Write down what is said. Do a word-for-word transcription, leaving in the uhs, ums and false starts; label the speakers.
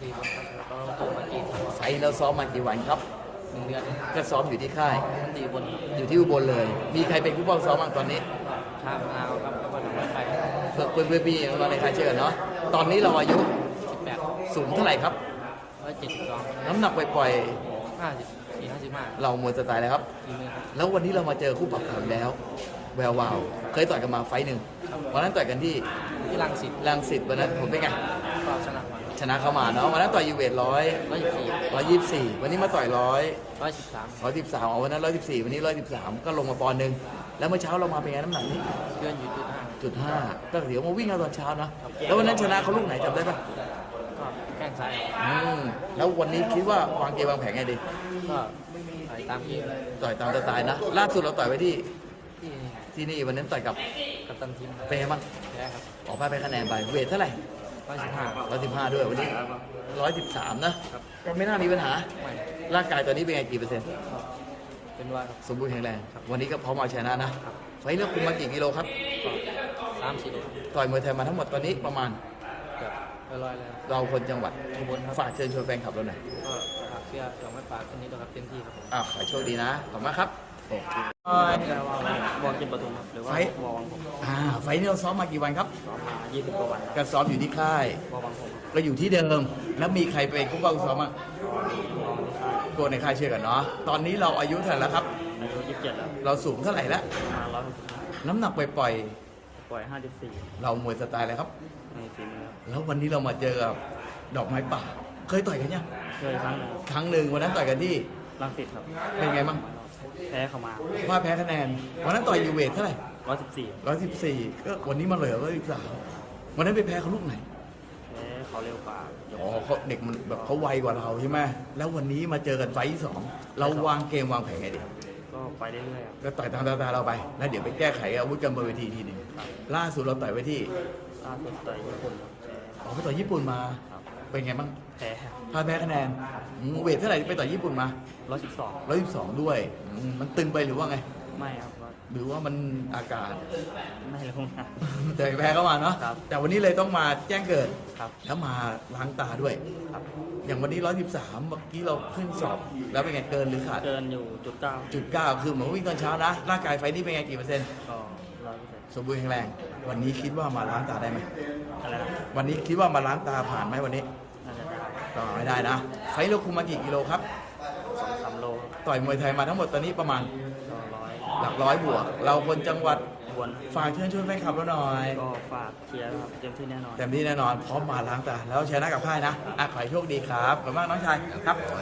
Speaker 1: ตีรถครับแล้วก็ตัวมากีครับ
Speaker 2: ไฟล์เราซ้อมมากี่วันครับ
Speaker 1: หนึ่งเดือน
Speaker 2: ก็ซ้อมอยู่ที่ค่าย
Speaker 1: ตีบนครับ
Speaker 2: อยู่ที่อุบลเลย มีใครเป็นผู้ป้องซ้อมบ้างตอนนี้
Speaker 1: ข้ามนาวครับแล้วก็หนุ่มรถไฟ
Speaker 2: เพื่อนเพื่อนเพื่อนพี่เราในค่ายเชื่อเนาะตอนนี้เราอายุ
Speaker 1: สิบแปด
Speaker 2: สูงเท่าไหร่ครับ
Speaker 1: ร้อยเจ็ดสิบสอง
Speaker 2: น้ำหนักปล่อย
Speaker 1: ห้าสิบสี่ห้าสิบห้า
Speaker 2: ๆเรามวยสไตล์เลยครับ
Speaker 1: ทีมือครับ
Speaker 2: แล้ววันนี้เรามาเจอคู่ปรับเก่าแล้ว แวววาว เคยต่อยกันมาไฟต์หนึ่งวันนั้นต่อยกันที่
Speaker 1: ที่รังสิต
Speaker 2: รังสิตวันนั้นผมเป็นไง
Speaker 1: ก็ชนะมา
Speaker 2: ชนะเข้ามาเนาะวันนั้นต่อยยูเวทร้อย
Speaker 1: ร้อยสิบสี่
Speaker 2: ร้อยยี่สิบสี่วันนี้มาต่อยร้อย
Speaker 1: ร้อยสิบสาม
Speaker 2: ร้อยสิบสามเอาวันนั้นร้อยสิบสี่วันนี้ร้อยสิบสามก็ลงมาปอนด์หนึ่งแล้วเมื่อเช้าเรามาเป็นไงน้ำหนักนี้
Speaker 1: เลื่อนอยู่จุดห้า
Speaker 2: จุดห้าก็เดี๋ยวมาวิ่งเอาตอนเช้านะแล้ววันนั้นชนะเขาลูกไหนจำได้ปะ
Speaker 1: ก็แข้งซ้าย
Speaker 2: อืมแล้ววันนี้คิดว่าวางเกมวางแผนไงดี
Speaker 1: ก็ต่อยตามเกม
Speaker 2: ต่อยตามสไตล์นะล่าสุดเราต่อยไว้ที่
Speaker 1: ที่
Speaker 2: ที่นี่วันนั้นต่อยกับ
Speaker 1: กัปตันทีม
Speaker 2: เปย์มั้ง
Speaker 1: แพ้ครับ
Speaker 2: ออกมาไปคะแนนไปเวทเท่าไหร่
Speaker 1: ร้อยสิบห้า
Speaker 2: ร้อยสิบห้าด้วยวันนี้ร้อยสิบสามนะก็ไม่น่ามีปัญหา
Speaker 1: ไม่
Speaker 2: ร่างกายตอนนี้เป็นไงกี่เปอร์เซ็นต์
Speaker 1: ก็เป็นว่าครับ
Speaker 2: สมบูรณ์แข็งแรง วันนี้ก็พร้อมเอาชนะนะ ไฟล์เลือกคุมมากี่กิโลครับ
Speaker 1: ก็สามสี่โล
Speaker 2: ต่อยมวยไทยมาทั้งหมดตอนนี้ประมาณ
Speaker 1: เกือบร้อยๆเลยครับ
Speaker 2: เราคนจังหวัด
Speaker 1: อุบลครับ
Speaker 2: ฝากเชิญชวนแฟนคลับเราหน่อย
Speaker 1: ก็ฝากเชื่อสองไม้ปากคนนี้ด้วยครับเต็มที่ครับผม
Speaker 2: อ้าวขอให้โชคดีนะ ขอบคุณมากครับโอเค
Speaker 1: นี่ก็ว่าบอลจินประตูครับหรือว่า
Speaker 2: ไฟ
Speaker 1: บอลวังผม
Speaker 2: อ่าไฟล์นี้เราซ้อมมากี่วันครับ
Speaker 1: ซ้อมมายี่สิบกว่าวัน
Speaker 2: ก็ซ้อมอยู่ที่ค่าย
Speaker 1: บอลวังผม
Speaker 2: ก็อยู่ที่เดิม แล้วมีใครเป็นคู่บ้างซ้อมบ้าง
Speaker 1: ก็มีบอลค่าย
Speaker 2: ตัวในค่ายเชื่อกันเนาะ ตอนนี้เราอายุเท่าไหร่แล้วครับ
Speaker 1: อายุยี่สิบเจ็ดแล้ว
Speaker 2: เราสูงเท่าไหร่แล้ว
Speaker 1: ประมาณร้อยหกสิบห้า
Speaker 2: น้ำหนักปล่อย
Speaker 1: ปล่อยห้าสิบสี่
Speaker 2: ๆเรามวยสไตล์อะไรครับ
Speaker 1: ในฝีมือครับ
Speaker 2: แล้ววันนี้เรามาเจอกับดอกไม้ป่า เคยต่อยกันยัง
Speaker 1: เคยครั้งหนึ่ง
Speaker 2: ครั้งหนึ่งวันนั้นต่อยกันที่
Speaker 1: รังสิตครับ
Speaker 2: เป็นไงบ้าง
Speaker 1: แพ้เข้ามา
Speaker 2: ว่าแพ้คะแนน วันนั้นต่อยยูเวทเท่าไหร่
Speaker 1: ร้อยสิบสี่
Speaker 2: ร้อยสิบสี่ก็วันนี้มาเหลือร้อยสิบสามวันนั้นไปแพ้เขาลูกไหน
Speaker 1: แพ้เขาเร็วกว่า
Speaker 2: อ๋อเขาเด็กมันแบบเขาไวกว่าเราใช่ไหมแล้ววันนี้มาเจอกันไฟท์ที่สองเราวางเกมวางแผนไงดี
Speaker 1: ก็ไปเรื่อยๆครับ
Speaker 2: ก็ต่อยตามตาเราไป แล้วเดี๋ยวไปแก้ไขอาวุธกันบนเวทีทีหนึ่งล่าสุดเราต่อยไว้ที่
Speaker 1: ล่าสุดต่อยญี่ปุ่นครับ
Speaker 2: อ๋อไปต่อยญี่ปุ่นมา
Speaker 1: ครับ
Speaker 2: เป็นไงบ้าง
Speaker 1: แพ้
Speaker 2: พลาดแพ้คะแนนอืมเวทเท่าไหร่ไปต่อยญี่ปุ่นมา
Speaker 1: ร้อยสิบสอง
Speaker 2: ร้อยสิบสองด้วยอืมมันตึงไปหรือว่าไง
Speaker 1: ไม่ครับก็
Speaker 2: หรือว่ามันอากาศ
Speaker 1: ไม่รู้นะ
Speaker 2: แต่แพ้เข้ามาเนาะ
Speaker 1: ครับ
Speaker 2: แต่วันนี้เลยต้องมาแจ้งเกิด
Speaker 1: ครับ
Speaker 2: แล้วมาล้างตาด้วย
Speaker 1: ครับ
Speaker 2: อย่างวันนี้ร้อยสิบสามเมื่อกี้เราขึ้นสอบ แล้วเป็นไงเกินหรือขาด
Speaker 1: เกินอยู่จุดเก้า
Speaker 2: จุดเก้าคือเหมือนวิ่งตอนเช้านะ ร่างกายไฟนี่เป็นไงกี่เปอร์เซ็นต์
Speaker 1: ก็ร้อยเปอร์เซ็นต์
Speaker 2: สมบูรณ์แข็งแรง วันนี้คิดว่ามาล้างตาได้ไหม
Speaker 1: อะไรนะ
Speaker 2: วันนี้คิดว่ามาล้างตาผ่านไหมวันนี้
Speaker 1: น่าจะได้
Speaker 2: ก็ไม่ได้นะ ไฟเราคุมมากี่กิโลครับ
Speaker 1: สองสามโล
Speaker 2: ต่อยมวยไทยมาทั้งหมดตอนนี้ประมาณ
Speaker 1: ก็ร้อย
Speaker 2: หลักร้อยบวก เราคนจังหวัด
Speaker 1: วน
Speaker 2: ฝากเชิญชวนแฟนคลับเราหน่อย
Speaker 1: ก็ฝากเชียร์ครับเต็มที่แน่นอน
Speaker 2: เต็มที่แน่นอน พร้อมมาล้างตา แล้วชนะกับพ่ายนะอ่ะขอให้โชคดีครับขอบคุณมากน้องชายครับ